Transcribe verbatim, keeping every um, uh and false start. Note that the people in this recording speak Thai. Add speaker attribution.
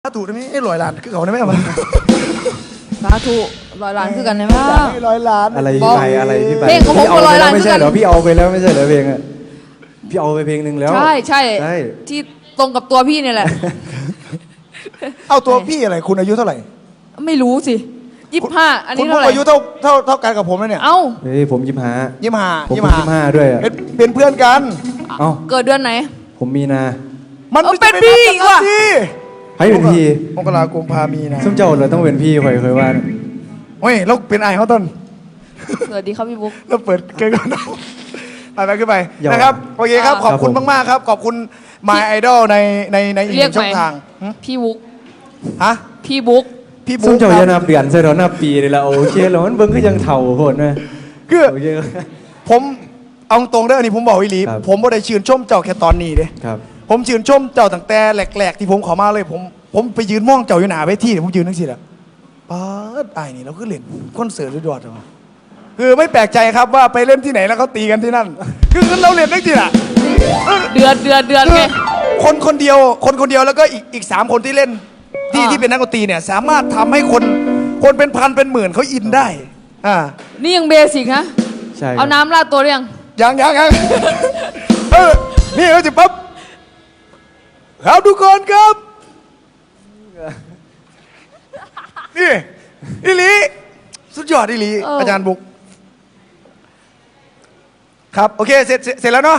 Speaker 1: สาธุได้ไหมไอ้ลอยล้านคือเขาได้ไหมมัน
Speaker 2: สาธุร้อยล้านคือกันได้ไหม
Speaker 1: ไอ้ลอยล้าน
Speaker 3: อะไรพี่ไปอะไรพี่ไป
Speaker 2: เพลงของผม
Speaker 3: พี่เอา
Speaker 2: ก็ร้อย
Speaker 3: ไปแล้
Speaker 2: ล้า
Speaker 3: วน ไม่ใช่เหรอ
Speaker 2: คือกัน
Speaker 3: พี่เอาไปแล้วไม่ใช่เหรอเพลงอะพี่เอาไปเพลงหนึ่งแล้ว
Speaker 2: ใช่ใช่
Speaker 3: ใช่
Speaker 2: ที่ตรงกับตัวพี่เนี่ยแหละ
Speaker 1: เอาตัวพี่อะไรคุณอายุเท่าไหร่
Speaker 2: ไม่รู้สิยี่สิบห้าอัน
Speaker 1: คุ
Speaker 2: นี้
Speaker 1: ณ
Speaker 2: เท่าไหร่
Speaker 1: อายุเท่าเท่าเท่ากันกับผมนะเนี่ย
Speaker 2: เอ้า
Speaker 3: เฮ้ยผมยิมหา
Speaker 1: ยี่สิบห้า
Speaker 3: ผม
Speaker 1: ยี่
Speaker 3: เพิ่
Speaker 1: สิ
Speaker 3: ง
Speaker 1: บห้า
Speaker 3: ยี่สิบห้าด้วยอะ
Speaker 1: เป็นเป็นเพื่อนกัน
Speaker 3: เอ้า
Speaker 2: เกิดเดือนไหน
Speaker 3: ผมมีนา
Speaker 1: มัน
Speaker 2: เอา
Speaker 1: ไม่
Speaker 2: เป็นพี่อีกว่ะ
Speaker 1: พี่
Speaker 3: ให้เป็นพี่
Speaker 1: มกราคมพามีนะ
Speaker 3: ส้มเจ้าเราต้องเป็นพี่คอยเคยว่านะ
Speaker 1: เฮ้ยเราเป็นไอ้เขาต้น
Speaker 2: สวัสดีครับพี่บุ๊ก
Speaker 1: เราเปิดเกินก่อนนะไปไปขึ้นไปนะครับโอเคครับขอบคุณมากๆครับขอบคุณ My Idol ในในในอีกห
Speaker 2: เรียก
Speaker 1: นึ่งช่อง
Speaker 2: ไหม
Speaker 1: ทางหึ
Speaker 2: พี่บุ๊ก
Speaker 1: ฮะ
Speaker 2: พี่บุ๊ก
Speaker 1: พี่
Speaker 3: ส้
Speaker 1: บุ๊
Speaker 3: ม
Speaker 1: ค
Speaker 3: เจ้า
Speaker 1: ค
Speaker 3: อย่า
Speaker 1: รับ
Speaker 3: นับเดือนใส่เรานับปีเลยละโอเคแล้วมันเบิ้งก็ยังเถ่าโหดนะ
Speaker 1: คือ
Speaker 3: โอเค
Speaker 1: ผมเอาตรงเด้ออันนี้ผมบอกวิลี
Speaker 3: ครับ
Speaker 1: ผมบ่ได้ชื่นชมเจ้าแค่ตอนนี้เด้
Speaker 3: ครับ
Speaker 1: ผมชื่นชมเจ้าตั้งแต่แหลกๆที่ผมเขอมาเลย ผมผมไปยืนมองเจ้าอยู่หน้าเวทีเนี่ยผมยืนทั้งสิละป๊าดไอ้นี่เราคือเล่นคอนเสิร์ตด้วยดอดเหรอคือไม่แปลกใจครับว่าไปเล่นที่ไหนแล้วเขาตีกันที่นั่น คือเราเล่นทั้งสิละ
Speaker 2: เดือนเดือนเดือน
Speaker 1: คื
Speaker 2: ไง
Speaker 1: อคนคนเดียวคนคนเดียวแล้วก็อีกอีกสามคนที่เล่นที่
Speaker 2: อ่า
Speaker 1: ที่เป็นนักดนตรีเนี่ยสามารถทำให้คนคนเป็นพันเป็นหมื่นเขาอินได้อ่า
Speaker 2: นี่ยังเบสิกนะ
Speaker 3: ใช่ครับ
Speaker 2: เอาน้ำราดตัวหรือยัง
Speaker 1: ยังยังยัง เออนี่เขาจะปั๊บครับทุกคนครับ นี่อิลีสุดยอดอิลี
Speaker 2: เอออ
Speaker 1: อาจารย์บุ๊กครับ โอเค เสร็จเสร็จเสร็จแล้วเนาะ